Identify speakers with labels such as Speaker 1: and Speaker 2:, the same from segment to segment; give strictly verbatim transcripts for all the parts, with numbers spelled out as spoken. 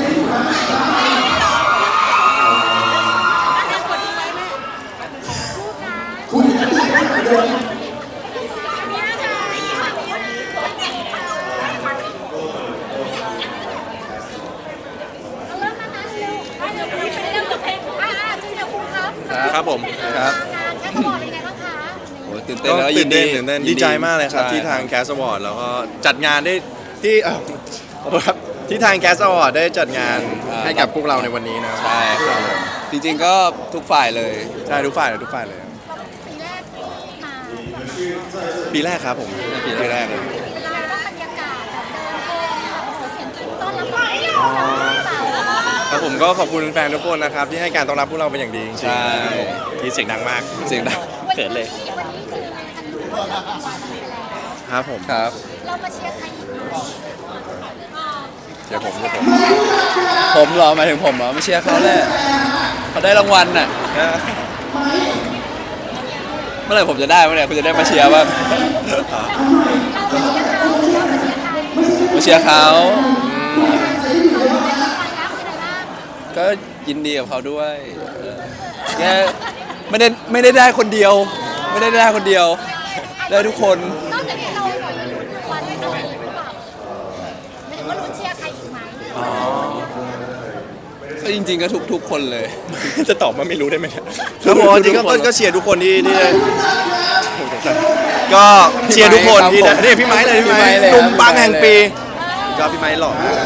Speaker 1: ครับผมครับ
Speaker 2: แคสบอร์ดเป็นไงบ้างคะ
Speaker 3: โอ้ตื่นเต้นแล้ว
Speaker 1: ตื่นเต้นตื่นเต้นดีใจมากเลยครับที่ทาง
Speaker 3: ใช่
Speaker 1: แคสบอร์ดแล้วก็จัดงานได้ที่เอ่อขอโทษครับที่ทางแคสบอร์ดได้จัดงานให้กับพวกเราในวันนี้นะ
Speaker 3: ใช่ครับจริงๆก็ทุกฝ่ายเลย
Speaker 1: ใช่ทุกฝ่ายเลยทุกฝ่ายเลย
Speaker 2: ปีแรกที่มา
Speaker 1: ปีแรกครับผมปีแรกเลย
Speaker 2: เป็นยังไงบ้างบรรยากาศแบบเดินโฮมแบบโอ้โหเสียงกรี๊ดต้อนรับเราเปล่า
Speaker 1: ครับผมก็ขอบคุณแฟนทุกคนนะครับที่ให้การต้อนรับพวกเราเป็นอย่างดีจริงๆ
Speaker 3: ใช่
Speaker 1: ที่เสียงดังมาก
Speaker 3: เสียงดัง
Speaker 2: วันนี้วันนี้คือมากันรู้ว่าเราทำวันไปแล้ว
Speaker 1: ครับผม
Speaker 3: ครับ
Speaker 2: เรามาเชียร์ใครอีกอ่า
Speaker 1: เดี๋ยวผมเดี๋ยวผม
Speaker 3: ผมเหรอหมายถึงผมเหรอไม่เชียร์เขาแหละเขาได้รางวัลน่ะเมื่อไหร่ผมจะได้เมื่อไหร่คุณจะได้มาเชียร์บ้าง
Speaker 2: เรามาเชียร์เขาเรามาเชียร์ใคร
Speaker 3: มาเชียร์เขาก็ยินดีกับเขาด้วยเออแค่ไม่ได้ไม่ได้ได้คนเดียว ไม่ได้ได้คนเดียว ได้ทุกคน
Speaker 2: นอกจากนี้เราหน่อยลุ้นรางวัลอะไรอีกหรือเปล่าไม่ถึงว่าลุ้นเชียร์ใครอีกไหม
Speaker 3: ก็จริงๆก็ทุกทุกคนเลย
Speaker 1: จะตอบมาไม่รู้ได้ไหมเนี่ยครับผมจริงๆก็ก็เชียร์ทุกคนที่ที่ได้ก็เชียร์ทุกคนที่ได้นี่พี่ไม้เลยพี่ไม้
Speaker 3: พี่ไม้เลย
Speaker 1: หนุ่มปัง
Speaker 3: พี่ไม้
Speaker 1: แห่งปีก็พี่ไม้หล่อมาก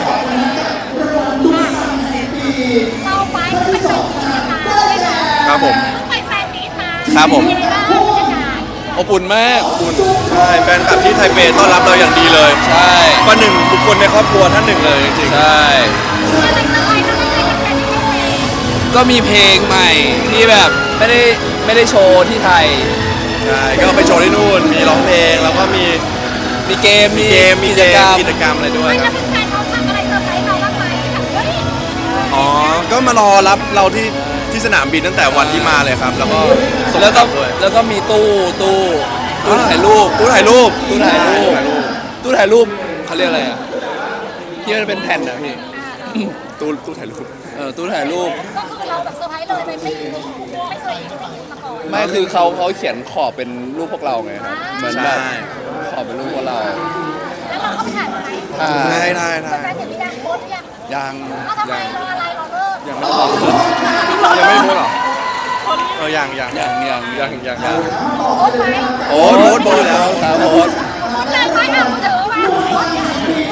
Speaker 2: เราไปไปแฟนมีตมาด้วยนะครับ
Speaker 1: ผม
Speaker 2: ไปแฟนมีตมา
Speaker 1: ครับผม
Speaker 2: เป็นยังไงบ้างบรรยากาศ
Speaker 3: อบอุ่นมากอบอุ่น
Speaker 1: ใช่แฟนคลับที่ไทเปต้อนรับเราอย่างดีเลย
Speaker 3: ใช่
Speaker 1: ก็หนึ่งบุคคลในครอบครัวท่านหนึ่งเลยจริง
Speaker 3: ใช่
Speaker 2: อะไรสบายทำอะไรกับแฟนที่ไทย
Speaker 3: ก็มีเพลงใหม่ที่แบบไม่ได้ไม่ได้โชว์ที่ไทย
Speaker 1: ๆใช่ก็ไปโชว์ที่นู่นมีร้องเพลงแล้วก็มี
Speaker 3: มีเกม
Speaker 1: มีเกมมี
Speaker 3: กิ
Speaker 1: เก
Speaker 3: จกร
Speaker 1: ม
Speaker 3: รม
Speaker 1: กิจกรรมอะไรด้วย
Speaker 2: ไม่
Speaker 1: ค
Speaker 2: แล้
Speaker 1: รั
Speaker 2: ว
Speaker 1: บ
Speaker 2: แฟนเขาทำอะไรเซอร์ไพรส์เราบ้างไหมแบบเฮ้ย
Speaker 1: อ๋อก็มารอรับเราที่ที่สนามบินตั้งแต่วันที่มาเลยครับ แล้วก็ส่ง
Speaker 3: แล้วก็
Speaker 1: กบด้วย
Speaker 3: แล้วก็มีตู้ตู้ตู้ถ่ายรูป
Speaker 1: ตู้ถ่ายรูป
Speaker 3: ตู้ถ่ายรูป
Speaker 1: ถ่ายรูป
Speaker 3: ตู้ถ่ายรูปเขาเรียกอะไรอ่ะที่มันเป็นแผ่นนะพี่
Speaker 1: ตู้ตู้ถ่ายรูป
Speaker 3: เออตู้ถ่ายรูป
Speaker 2: ก็คือเราแบบเซอร์ไพรส์เลยไม่ไม่ไม่เคยได้ยินมาก่อน
Speaker 3: ไม่คือเขาเขาเขียนขอบเป็นรูปพวกเราไงครับเหมือนแบบ
Speaker 1: ใช่
Speaker 3: ขอบเป็นรูปพวกเรา
Speaker 2: แล้วเราเข้าไปถ่ายไหม
Speaker 3: ถ่า
Speaker 1: ได้
Speaker 3: ย
Speaker 1: ได้ได้
Speaker 2: แฟนเดี๋ยวมีการโพสต์หรือยัง
Speaker 3: ยัง
Speaker 2: เอาทำไม
Speaker 3: ยัง
Speaker 2: รออะไรรอเลิก
Speaker 1: ยังไม่พอยังไม่รู้หรอเออยังยัง
Speaker 3: ยังยัง
Speaker 1: ยังยังยัง
Speaker 2: โพสต์ไหม
Speaker 3: โอ้
Speaker 1: โพสต์โพสต์แล้ว
Speaker 3: ครับโพสต์
Speaker 2: โพสต์เลยไหมอ่ะมือถือมาโพสต์อย่าง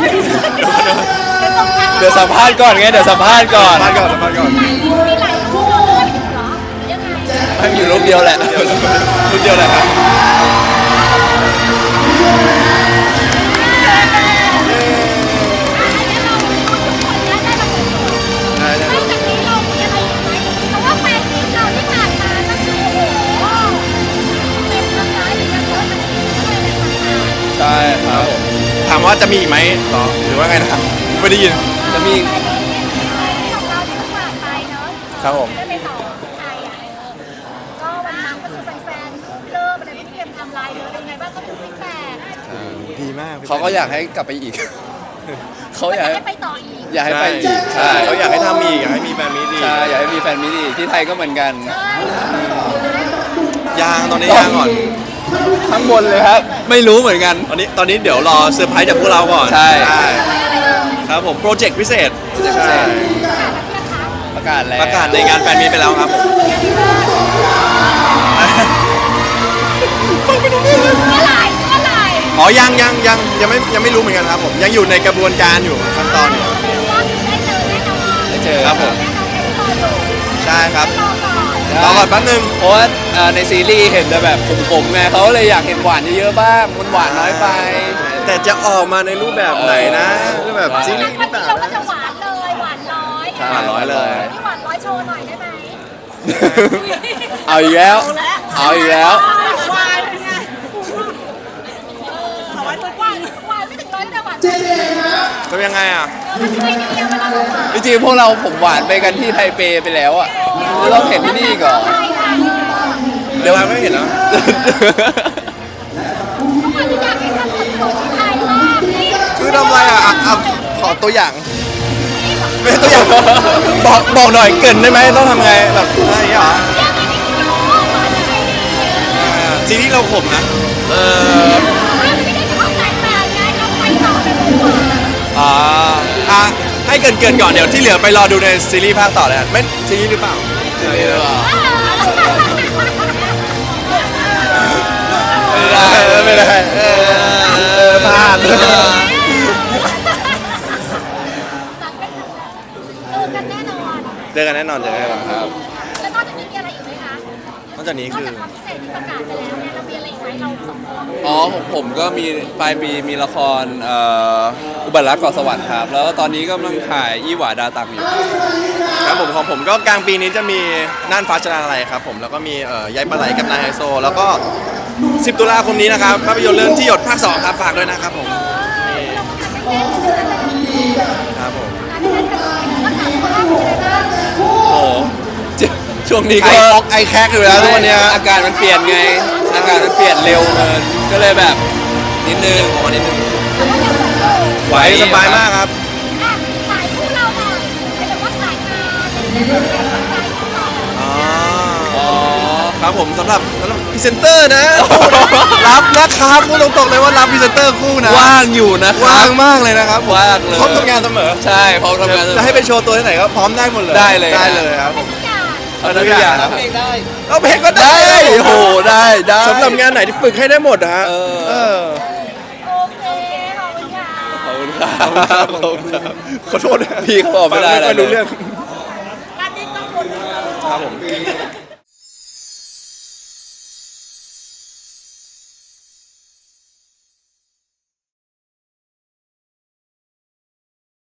Speaker 3: เดี๋ยวสัมภาษณ์ก่อนไงเดี๋ยวสัมภาษณ์ก่อน
Speaker 1: มาก่อนมาก่อน
Speaker 2: มีหลายรูปเลยเหรอยังไง
Speaker 3: ให้มีอยู่รูปเดียวแหละ
Speaker 1: รุ่นเดียวเลยครับ ได้ได้
Speaker 2: นอกจากนี้เรามีอะไรอีกไหมเพราะว่าแฟนมีเราที่ผ่านมาก็คือโอ้โหเต็มทั้งร้านเลยนะเยอะทั้งนี้เลยนะคะ
Speaker 3: ใช่ครับ
Speaker 1: ถามว่าจะมีอีกไหมหรอหรือว่าไงนะครับไม่ได้ยิน
Speaker 3: จะมี
Speaker 2: ของเราที่เพิ่งผ่านไปเนอะ
Speaker 1: ครับผม
Speaker 2: ได้ไปต่อที่ไทยอ่ะก็วันนั้นก็คือแฟนๆเริ่มอะไรไม่เตรียมทำลายเลยเป็นไงบ้างก็ดูฟีดแบ็ก
Speaker 1: ดีมาก
Speaker 3: เขาก็อยากให้กลับไปอีก เขาอยากให้
Speaker 2: ให้ไปต่ออีก
Speaker 3: อยากให้ไปอีก
Speaker 1: ใช่
Speaker 3: ใช่
Speaker 1: เขาอยากให้ทำอีกอยากให้มีแฟนมีดี
Speaker 3: ใช่อยากให้มีแฟนมิตรอีกที่ไทยก็เหมือนกัน
Speaker 1: ยางตอนนี้ยางก่อน
Speaker 3: ข้างบนเลยครับ ไม่รู้เหมือนกัน
Speaker 1: ตอนนี้ตอนนี้เดี๋ยวรอเซอร์ไพรส์จากพวกเราก่อน
Speaker 3: ใช่
Speaker 1: ครับผมโปรเจกต์พิเศษ
Speaker 3: Project พิเศษ ประกาศแล้ว
Speaker 1: ประกาศในงานแฟนมีตไปแล้วครับผม
Speaker 2: เมื่อไหร่เมื่อไหร่
Speaker 1: อ๋อยังยังยังยังไม่ยังไม่รู้เหมือนกันครับผมยังอยู่ในกระบวนการอยู่ขั้นตอนอยู่
Speaker 2: ก็คือได้เจอแน่นอน
Speaker 3: ได้เจอ
Speaker 1: ครับผม
Speaker 2: แน่นอนเป็นตัวอยู่
Speaker 1: ใช่ครับ
Speaker 2: รอก่อน
Speaker 1: รอก่อนแป๊บนึง
Speaker 3: เพราะว่าเอ่อในซีรีส์เห็นแต่แบบขมๆไงเขาเลยอยากเห็นหวานเยอะๆบ้างมันหวานน้อยไป
Speaker 1: แต่จะออกมาในรูปแบบไหนนะรูปแบบซีรีส์ห
Speaker 2: วั
Speaker 1: รื
Speaker 2: น
Speaker 1: อเป
Speaker 2: นี้
Speaker 1: ล่า
Speaker 2: เราก็
Speaker 1: นะ
Speaker 2: จะหวานเลยหวานร้อย
Speaker 3: ใช่
Speaker 1: หวานร้อยเลย
Speaker 2: นี่หวานร้อยโชว์หน่อยได้ไหม
Speaker 3: เอาอีกแล้ว เอาอีกแล้ว
Speaker 2: หวานเป็นไงเออหวานหวานหวานไม่ถึงร้อยแต่หวานเจ็ดสิบ
Speaker 1: ทำยังไงอ่ะ
Speaker 2: มันไม่ดีอะเวลาเราหวาน
Speaker 3: จริงๆพวกเราผมหวานไปกันที่ไทเปไปแล้วอ่ะแล้วเราเห็นที่นี่อีก่อน
Speaker 2: ใช่ค่ะ
Speaker 1: เดี๋ยวไม่เห็นแล้ว
Speaker 2: ทุกคนที่อยากให้ทำสดๆที่ไทยมากนี่
Speaker 1: คือทำอะไรอ่ะอ่ะอ่ะขอตัวอย่าง
Speaker 2: เ
Speaker 1: ไม่ตัวอย่างบอกบอกหน่อยเกรินได้ไหมต้องทำไงแบบอะไรอย่างเงี้ยเหรอ ซีรีส์เราขมนะ เอออ่าอ่ะให้เกินเกินๆก่อนเดี๋ยวที่เหลือไปรอดูในซีรีส์ภาคต่อเลยกันไม่ซีรีส์หรือเปล่าซีรีส์หรือเปล่าไม่ได้เออเออพลาด
Speaker 2: เจอกันแน่นอน
Speaker 1: เจอกันแน่นอนเจอกันแน่นอนครับ
Speaker 2: แล้วนอกจากนี้มีอะไรอีกไหมคะ
Speaker 1: นอกจากนี้
Speaker 2: นอก
Speaker 1: คือ
Speaker 2: จากความพิเศษที่ประกาศไปแล้วเนี่ยเรามีอะไรอีกไหมเราสองคน
Speaker 3: อ๋อของผมก็มีปลายปีมีละครเอ่ออุบัติรักเกาะสวรรค์ครับ แล้วก็ตอนนี้ก็กำลังถ่ายยี่หวาดาตังอยู่
Speaker 1: ครับผมของผมก็กลางปีนี้จะมีน่านฟ้าชนะอะไรครับผมแล้วก็มีเอ่อยายปลาไหลกับนายไฮโซ แล้วก็สิบตุลาคมนี้นะครับภาพยนตร์เรื่องที่หยดภาคสองครับฝากด้วยนะครับผมครับผม
Speaker 2: รักษาสุขภาพเป็นยังไงบ้าง
Speaker 1: โอ้โห
Speaker 3: ช่วงนี้
Speaker 1: ไอ
Speaker 3: ก็
Speaker 1: ฟอกไอแคกอยู่แล้วทุกวันเนี้ย
Speaker 3: อากาศมันเปลี่ยนไง อากาศมันเปลี่ยนเร็วเกินก็เลยแบบนิดนึง
Speaker 1: ขอนิดนึง
Speaker 2: แต่ว่ายังแบบ
Speaker 1: ไหวสบายมากครับ
Speaker 2: อ่ะขายคู่เราหน่อยไม่แต่ว่าขายงานเป็นยังไงบ้างขายคู่เรา
Speaker 1: อ๋อ
Speaker 3: อ๋อ
Speaker 1: ครับผมสำหรับสำหรับพรีเซนเตอร์นะ รับนะครับพูดตรงๆเลยว่ารับพรีเซนเตอร์คู่นะ
Speaker 3: ว่างอยู่นะครั
Speaker 1: ว่าง
Speaker 3: บ
Speaker 1: มากเลยนะครับ
Speaker 3: ว่างเลย
Speaker 1: พร้อมทำงานเสมอ
Speaker 3: ใช่พร้อมทำงาน
Speaker 1: จะให้ไปโชว์ตัวที่ไหนก็พร้อมได้หมดเลย
Speaker 3: ได้เลย
Speaker 1: ได้เลยครับผม
Speaker 2: ทุกอย่าง
Speaker 3: เอาทุกอย่างครับ
Speaker 1: เอาเพลงก็ได้
Speaker 3: ได้โอ้โหได้ได้
Speaker 1: สำหรับงานไหนที่ฝึกให้ได้หมดนะฮะ
Speaker 3: เออ
Speaker 1: เออ
Speaker 2: โอเคขอบคุณค่ะ
Speaker 3: ขอบคุณครับขอบคุณครับ
Speaker 1: ขอโทษนะ
Speaker 3: พี่เขาบอกไม่ได้อะไร
Speaker 1: ฟังไม่ค่อยรู้เรื่อง
Speaker 2: การนี้ต้องคน
Speaker 1: ครับผม